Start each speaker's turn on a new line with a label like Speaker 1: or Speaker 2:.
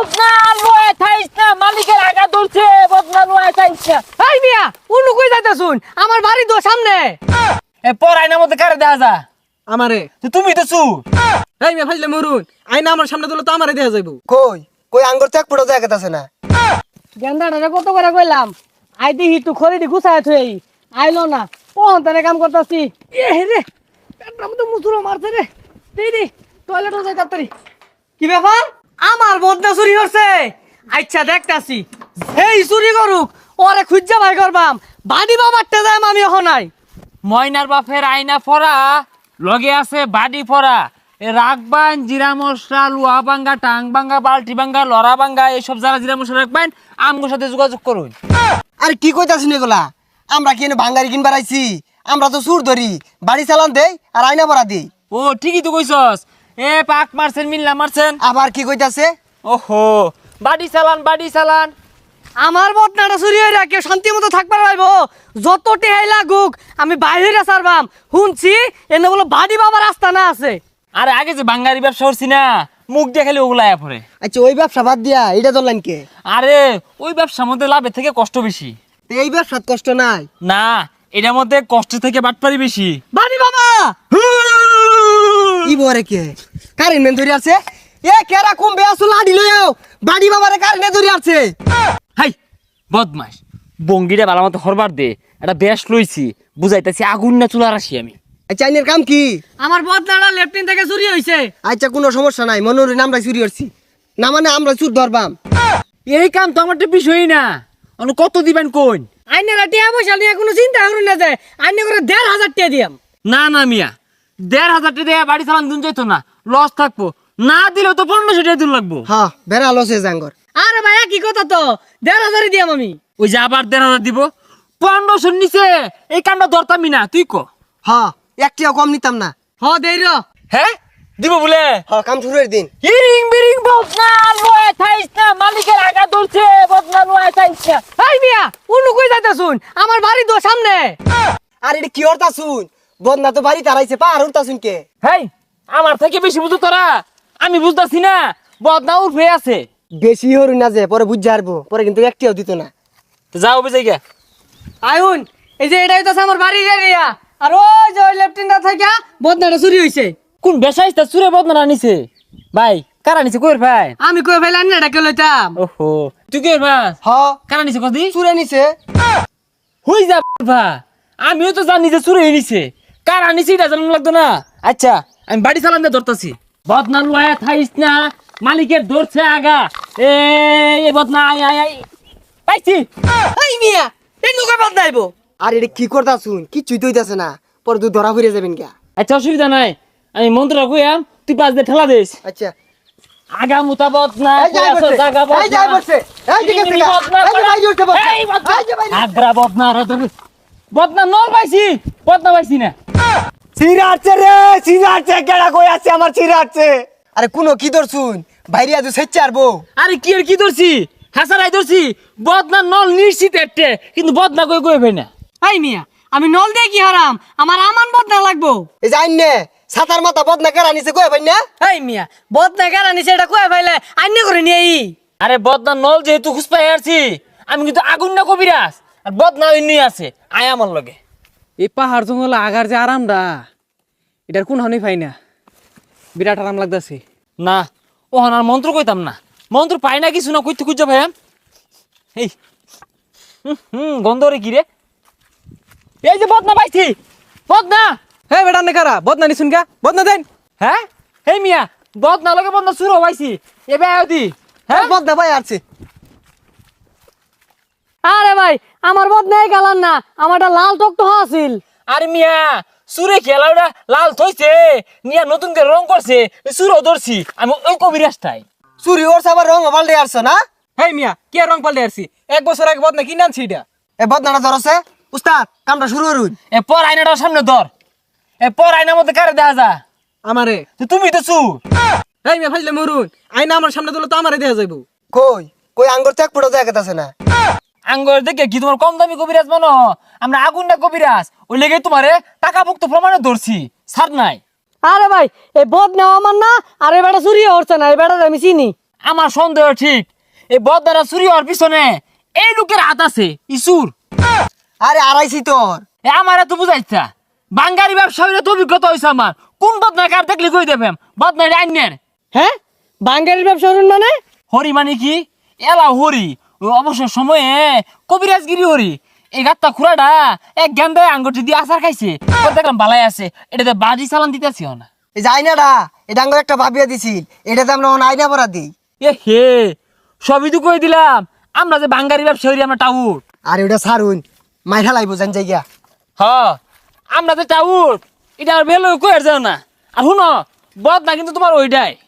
Speaker 1: বদনা লয়ে থাইস না, মালিকের আগা ধরছে, বদনা লয়ে থাইস না।
Speaker 2: এই মিয়া উনু কই যাইতাছুন? আমার বাড়ি তো সামনে।
Speaker 1: এ পর আয়নার মধ্যে কারে দেখা যা?
Speaker 2: আমারে।
Speaker 1: তুমি তো চু।
Speaker 2: এই মিয়া ফাইলে মরুন, আইনা আমার সামনে দিলে তো আমারে দেয়া যাইব।
Speaker 3: কই কই আঙ্গুর চেক পড়ে যায় আছে না।
Speaker 2: গেন্দাটা কত করে কইলাম, আই দিহি তুই খড়ি দি গুছায় থই, আইলো না। কোন তারে কাম করতাছি। এ রে পেটটা মধ্যে মুসুরো মারছে রে। দি টয়লেটে যাই তাড়াতাড়ি। কি ব্যাপার? আমার বদনা চুরি করছে। আচ্ছা দেখতাছি, এই চুরি করুক ওরে খুঁজা ভাই করবাম। বাড়ি বাবারটা যাই আমি এখন নাই।
Speaker 1: ময়নার বাপের আয়না পরা, লগে আছে বাড়ি পরা। এ রাখবান জিরা মশলা, লুয়া ভাঙ্গা, টাং ভাঙ্গা, বালতি ভাঙ্গা, লড়া ভাঙ্গা, এইসব যারা জিরা মশলা রাখবেন আমগোর সাথে যোগাযোগ করুন।
Speaker 3: আরে কি কইতাছিস এগুলা? আমরা কি এনে ভাঙ্গারি কিনবার আইছি? আমরা তো সুর ধরি, বাড়ি চালান দেই আর আয়না ভরা দেই।
Speaker 1: ও ঠিকই তো কইছস। এ পাক মারছেন, মিল্লা মারছেন।
Speaker 3: আবার কি কইতাছে?
Speaker 1: ওহো, বাড়ি চালান, বাড়ি চালান।
Speaker 2: আমার বদনাটা চুরি হইরা কেউ শান্তি মতো থাকবার পাইব? যত টেহাই লাগুক আমি বাইরে সারবাম। শুনছি এনে বলো বাড়ি বাবার রাস্তা না আছে।
Speaker 1: আরে আগে যে বাঙ্গারি ব্যবসা করছি না, মুখ দেখালে ওগুলা আয়া পড়ে।
Speaker 3: আচ্ছা ওই ব্যবসা বাদ দিয়া এটা ধরলেন কে?
Speaker 1: আরে ওই ব্যবসার মধ্যে লাভের থেকে কষ্ট বেশি।
Speaker 3: তো এই ব্যবসার কষ্ট নাই?
Speaker 1: না, এটার মধ্যে কষ্ট থেকে বাটপারি বেশি।
Speaker 2: বাড়ি বাবা
Speaker 3: ই বরে কে কারেন্ট মেন ধরে আছে? এ কেরা কমবে আসো লাডি লইও, বাড়ি বাবারে কারেন্ট ধরে আছে।
Speaker 1: হাই বদমাস, বঙ্গিটা ভালো মতো হরবার দে। একটা বেশ লইছি, বুঝাইতেছি আগুন না চুলার আসি আমি।
Speaker 3: আচ্ছা আইনের কাম কি?
Speaker 2: আমার বদনাটা লেফটিন থেকে চুরি হইছে।
Speaker 3: আচ্ছা কোনো সমস্যা নাই, মনোরে আমরা চুরি করছি না, মানে আমরা চুর ধরবাম।
Speaker 1: এই কাম তো আমার তো বিষয়ই না। অন্য কত দিবেন কোন?
Speaker 2: আইনের টিয়া পয়সা নিয়ে কোনো চিন্তা করুন না, যে আইনে করে ১,৫০০ টাকা দিয়াম।
Speaker 1: না না মিয়া, ১,৫০০ টাকা দিয়ে বাড়ি চালান দিন যাইতো না, লস থাকবো। না দিলেও তো ১৫০০ টাকা দিন লাগবো।
Speaker 3: হ্যাঁ বেড়া লসে জাঙ্গর।
Speaker 2: আরে ভাইয়া কি কথা তো, ১,৫০০ দিয়াম আমি।
Speaker 1: ওই যে আবার ১,৫০০ দিব, ১৫০০ নিচে এই কামটা ধরতামই না। তুই ক?
Speaker 3: হ্যাঁ একটিও কম নিতাম না।
Speaker 2: হ দেই র।
Speaker 1: হ্যাঁ দিব বলে?
Speaker 3: হ্যাঁ কাম শুরুর দিন।
Speaker 1: হিরিং বিরিং বদনা লয়ে থাইস না, মালিকের আগা ধরছে, বদনা লয়ে থাইস না।
Speaker 2: এই মিয়া উনু কই যাইতাছুন? আমার বাড়ি তো সামনে।
Speaker 3: আর এটা কি হরতা শুন? বদনা তো বাড়ি তারাইছে, পাহাড় উঠতা শুন কে?
Speaker 1: হেই, আমার থেকে বেশি বুঝো তোরা? আমি বুঝতাছি না, বদনা উঠে আছে।
Speaker 3: বেশি হরু না যে পরে বুঝ হারবো, পরে কিন্তু একটিও দিত না।
Speaker 1: তো যাও বুঝাই গে।
Speaker 2: আইউন এই যে এটাই তো আমার বাড়ির এরিয়া, আর ওই যে লেফটিনটা থেকে বদনাটা চুরি হইছে।
Speaker 1: কোন বেসাইস্তা চুরে বদনা নিছে? ভাই কারা নিছে কইর ভাই?
Speaker 2: আমি কই ফেলাম না, এটা কে লইতাম।
Speaker 1: ওহো, তুই কইর ভাই?
Speaker 3: হ
Speaker 1: কারা নিছে কদি?
Speaker 3: চুরে নিছে।
Speaker 1: হই যা ভা, আমিও তো জানি যে চুরে নিছে। কারা নিছে এটা জানানো লাগতো না? আচ্ছা আমি বাড়ি চালান দিয়ে ধরতাছি। বদনা লয়ে থাইস না, মালিকের ধরছে আগা। এই বদনা আই আই আই পাইছি।
Speaker 2: এই মিয়া এই নুকা বদনাইবো।
Speaker 3: আর এটা কি করতা শুন? কিচ্ছুই তো হইতাছে না, পরে তুই ধরা ফিরে যাবেন কে?
Speaker 1: আচ্ছা অসুবিধা নাই, আমি মন্ত্রটা কইয়াম, তুই পাঁচ দিয়ে ঠেলা দিস।
Speaker 3: আচ্ছা
Speaker 1: আগা মুতা বদনা,
Speaker 3: এই যাই বসে,
Speaker 1: জাগা
Speaker 3: এই যাই
Speaker 1: বদনা,
Speaker 3: বসে, এই দিকে থেকে, এই যে ভাই উঠে বসে,
Speaker 1: এই বদনা,
Speaker 3: এই যে ভাই
Speaker 1: আগ্রা বদনা রে ধরে। বদনা নল পাইছি, বদনা পাইছি না।
Speaker 3: চিরাচ্ছে রে, চিরাচ্ছে, কেডা কই আছে আমার চিরাচ্ছে? আরে কোনো কি ধর শুন, বাইরে আজ সেচ্ছে আরবো।
Speaker 1: আরে কি আর কি ধরছি, হাসারাই ধরছি। বদনা নল নিশ্চিত একটা, কিন্তু বদনা কই কই ভাই না।
Speaker 2: এই মিয়া আমি নল দিয়ে কি হারাম? আমার আমান বদনা লাগবো।
Speaker 3: এই যাই নে সাতার মাথা বদনা কেরা নিছে কই ভাই না?
Speaker 2: এই মিয়া বদনা কারা নিছে এটা কই ফেলে আইনে করে নিয়ে আই।
Speaker 1: আরে বদনা নল যেহেতু খুঁজপাই আসছি, আমি কিন্তু আগুন না কবিরাজ, আর বদনা এমনি আছে, আয় আমার লগে।
Speaker 4: এই পাহাড় জঙ্গল আগার যে আরামটা, এটার কোন হানি পাই না, বিরাট আরাম লাগতেছে।
Speaker 1: না ও আর মন্ত্র কইতাম না, মন্ত্র পাই না কিছু না, কইতে খুঁজা ভাই। এই গন্ধ রে কি রে? এই যে বদনা পাইছি, বদনা।
Speaker 4: হ্যাঁ বেটা নে কারা বদনা নিছুন গা, বদনা দেন।
Speaker 1: হ্যাঁ এই মিয়া, বদনা লগে বদনা শুরু পাইছি এবে আয়দি।
Speaker 3: হ্যাঁ বদনা ভাই আছে।
Speaker 2: আরে ভাই আমার বদনাই গালান না, আমারটা লাল টকটো আছিল।
Speaker 1: আরে মিয়া সুরে খেলাটা লাল থইছে, নিয়া নতুন করে রং করছে, সুরো ধরছি আমি ওই কবিরাজটাই।
Speaker 3: চুরি ওর সাবার রং পাল্টে আসছো না?
Speaker 4: হেই মিয়া কে রং পাল্টে আসছি, 1 বছর আগে বদনা কিনে আনছি এটা।
Speaker 3: এ বদনাটা ধরছে উস্তাদ, কামটা শুরু করুন।
Speaker 1: এ পর আয়নাটার সামনে ধর, এ পর আয়নার মধ্যে কারে দেখা যা?
Speaker 4: আমারে।
Speaker 1: তো তুমি তো চু।
Speaker 4: হেই মিয়া ফাইলে মরুন, আইনা আমার সামনে দিলে তো আমারে দেয়া যাইব।
Speaker 3: কই কই আঙ্গুর চেক পড়ে যায় আছে না?
Speaker 1: আঙ্গর দেখে কি তোমার কম দামি কবিরাজ মানো? আমরা আগুন না কবিরাজ, ওই লেগে তোমারে টাকা মুক্ত প্রমাণে ধরছি, ছাড় নাই।
Speaker 2: আরে ভাই এই বদনা আমার না, আর এই বেটা চুরি হচ্ছে না, এই বেটা আমি চিনি।
Speaker 1: আমার সন্দেহ ঠিক এই বদনারা চুরি হওয়ার পিছনে এই লোকের হাত আছে ইসুর।
Speaker 3: আরে আড়াইছি তোর।
Speaker 1: আমার এত বুঝাইছা বাঙ্গারি ব্যবসায়ীরা তো অভিজ্ঞতা হয়েছে আমার কোন বদনা কার দেখলে কই দেবেন বদনারি আইনের।
Speaker 2: হ্যাঁ বাঙ্গালির ব্যবসা করুন মানে?
Speaker 1: হরি মানে কি এলা হরি ওই অবসর সময়ে কবিরাজগিরি হরি এই গাত্তা খুড়াটা এক গেন্দায় আঙ্গুটি দিয়ে আচার খাইছে পরে দেখলাম বালাই আছে এটাতে বাজি চালান দিতেছি না।
Speaker 3: এই যে আইনাটা এটা আঙ্গুর একটা ভাবিয়া দিছিল, এটাতে আমরা এখন আইনা পড়া দিই।
Speaker 1: এ হে সবই তো কই দিলাম আমরা যে বাঙ্গারি ব্যবসায়ী আমরা টাউট।
Speaker 3: আর ওটা সারুন মাইঠা লাইব জান জায়গা।
Speaker 1: হ আমরা যে টাউট এটা আর বেলো কই আর যাও না। আর শুনো বদ না কিন্তু তোমার ওইটাই